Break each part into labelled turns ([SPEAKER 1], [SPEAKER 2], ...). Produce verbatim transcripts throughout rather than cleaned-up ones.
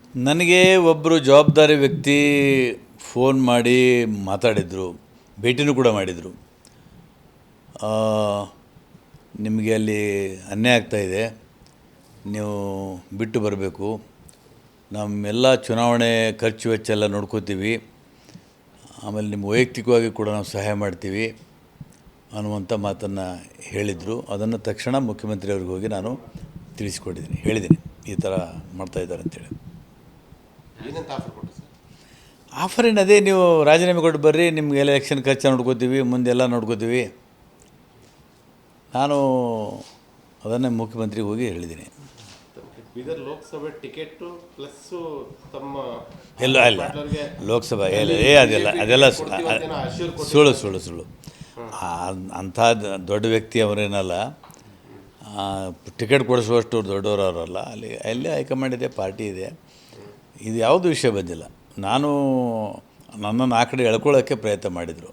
[SPEAKER 1] ನನಗೆ ಒಬ್ಬರು ಜವಾಬ್ದಾರಿ ವ್ಯಕ್ತಿ ಫೋನ್ ಮಾಡಿ ಮಾತಾಡಿದರು, ಭೇಟಿನೂ ಕೂಡ ಮಾಡಿದರು. ನಿಮಗೆ ಅಲ್ಲಿ ಅನ್ಯಾಯ ಆಗ್ತಾಯಿದೆ, ನೀವು ಬಿಟ್ಟು ಬರಬೇಕು, ನಮ್ಮೆಲ್ಲ ಚುನಾವಣೆ ಖರ್ಚು ವೆಚ್ಚ ಎಲ್ಲ ನೋಡ್ಕೋತೀವಿ, ಆಮೇಲೆ ನಿಮ್ಮ ವೈಯಕ್ತಿಕವಾಗಿ ಕೂಡ ನಾವು ಸಹಾಯ ಮಾಡ್ತೀವಿ ಅನ್ನುವಂಥ ಮಾತನ್ನು ಹೇಳಿದರು. ಅದನ್ನು ತಕ್ಷಣ ಮುಖ್ಯಮಂತ್ರಿಯವ್ರಿಗೆ ಹೋಗಿ ನಾನು ತಿಳಿಸ್ಕೊಟ್ಟಿದ್ದೀನಿ, ಹೇಳಿದ್ದೀನಿ ಈ ಥರ ಮಾಡ್ತಾಯಿದ್ದಾರೆ ಅಂತೇಳಿ.
[SPEAKER 2] ಏನಂತ ಆಫರ್ ಕೊಟ್ಟರು ಸರ್?
[SPEAKER 1] ಆಫರ್ ಏನು, ಅದೇ ನೀವು ರಾಜೀನಾಮೆ ಕೊಟ್ಟು ಬರ್ರಿ, ನಿಮ್ಗೆ ಎಲೆಕ್ಷನ್ ಖರ್ಚು ನೋಡ್ಕೋತೀವಿ, ಮುಂದೆಲ್ಲ ನೋಡ್ಕೋತೀವಿ. ನಾನು ಅದನ್ನೇ ಮುಖ್ಯಮಂತ್ರಿಗೆ ಹೋಗಿ ಹೇಳಿದ್ದೀನಿ.
[SPEAKER 2] ಬೀದರ್ ಲೋಕಸಭೆ ಟಿಕೆಟು ಪ್ಲಸ್ಸು ತಮ್ಮ
[SPEAKER 1] ಎಲ್ಲ ಇಲ್ಲ ಲೋಕಸಭಾ ಎಲ್ಲ ಏ ಅದೆಲ್ಲ ಅದೆಲ್ಲ ಸುಳ್ಳು ಸುಳ್ಳು ಸುಳ್ಳು ಅಂಥ ದೊಡ್ಡ ವ್ಯಕ್ತಿ ಅವರೇನಲ್ಲ, ಟಿಕೆಟ್ ಕೊಡಿಸುವಷ್ಟು ದೊಡ್ಡವರು ಅವರಲ್ಲ. ಅಲ್ಲಿ ಅಲ್ಲಿ ಹೈಕಮಾಂಡ್ ಇದೆ, ಪಾರ್ಟಿ ಇದೆ, ಇದು ಯಾವುದು ವಿಷಯ ಬಂದಿಲ್ಲ. ನಾನು ನನ್ನನ್ನು ಆ ಕಡೆ ಎಳ್ಕೊಳ್ಳೋಕ್ಕೆ ಪ್ರಯತ್ನ ಮಾಡಿದರು.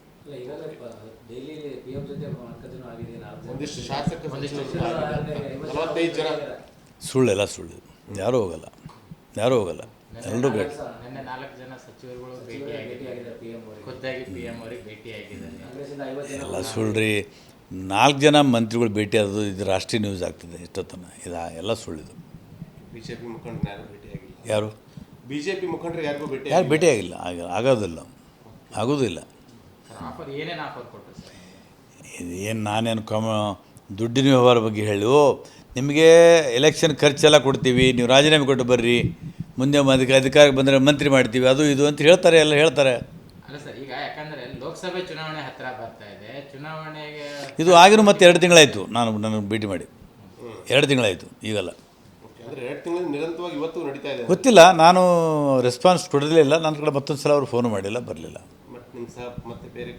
[SPEAKER 1] ಸುಳ್ಳೆಲ್ಲ ಸುಳ್ಳು, ಯಾರೂ ಹೋಗಲ್ಲ, ಯಾರೂ ಹೋಗಲ್ಲ, ಎಲ್ಲರೂ ಭೇಟಿ. ಎಲ್ಲ ಸುಳ್ಳ್ರಿ. ನಾಲ್ಕು ಜನ ಮಂತ್ರಿಗಳು ಭೇಟಿ ಆದದು ಇದು ರಾಷ್ಟ್ರೀಯ ನ್ಯೂಸ್ ಆಗ್ತದೆ ಇಷ್ಟೊತ್ತನ. ಇದು ಎಲ್ಲ ಸುಳ್ಳಿದು.
[SPEAKER 2] ಬಿ ಜೆ ಪಿ ಮುಖಂಡರು ಯಾರು ಭೇಟಿಯಾಗಿಲ್ಲ?
[SPEAKER 1] ಯಾರು
[SPEAKER 2] ಬಿ ಜೆ ಪಿ ಮುಖಂಡರು ಯಾರಿಗೂ ಭೇಟಿ
[SPEAKER 1] ಯಾರು ಭೇಟಿಯಾಗಿಲ್ಲ, ಆಗ ಆಗೋದಿಲ್ಲ, ಆಗೋದಿಲ್ಲ. ಏನು ನಾನೇನು ಕಮ ದುಡ್ಡಿನ ವ್ಯವಹಾರ ಬಗ್ಗೆ ಹೇಳಿ, ಓ ನಿಮಗೆ ಎಲೆಕ್ಷನ್ ಖರ್ಚೆಲ್ಲ ಕೊಡ್ತೀವಿ, ನೀವು ರಾಜೀನಾಮೆ ಕೊಟ್ಟು ಬರ್ರಿ, ಮುಂದೆ ಅದಕ್ಕೆ ಅಧಿಕಾರಕ್ಕೆ ಬಂದರೆ ಮಂತ್ರಿ ಮಾಡ್ತೀವಿ, ಅದು ಇದು ಅಂತ ಹೇಳ್ತಾರೆ, ಎಲ್ಲ ಹೇಳ್ತಾರೆ.
[SPEAKER 3] ಅಲ್ಲ ಸರ್, ಈಗ ಯಾಕಂದರೆ ಲೋಕಸಭೆ ಚುನಾವಣೆ ಹತ್ತಿರ ಬರ್ತಾ ಇದೆ, ಚುನಾವಣೆಗೆ
[SPEAKER 1] ಇದು ಆಗಿನೂ ಮತ್ತೆ ಎರಡು ತಿಂಗಳಾಯಿತು ನಾನು ನನ್ನ ಭೇಟಿ ಮಾಡಿ, ಎರಡು ತಿಂಗಳಾಯಿತು ಈಗಲ್ಲ.
[SPEAKER 2] ಅಂದರೆ ಎರಡು ತಿಂಗಳು ನಿರಂತರವಾಗಿ ಇವತ್ತು ನಡೀತಾ ಇದೆ.
[SPEAKER 1] ಗೊತ್ತಿಲ್ಲ, ನಾನು ರೆಸ್ಪಾನ್ಸ್ ಕೊಡಲಿಲ್ಲ. ನನ್ನ ಕಡೆ ಮತ್ತೊಂದು ಸಲ ಅವರು ಫೋನ್ ಮಾಡಿಲ್ಲ, ಬರಲಿಲ್ಲ.
[SPEAKER 2] ಮತ್ತು ನಿಮ್ಮ ಸಹ ಮತ್ತೆ ಬೇರೆ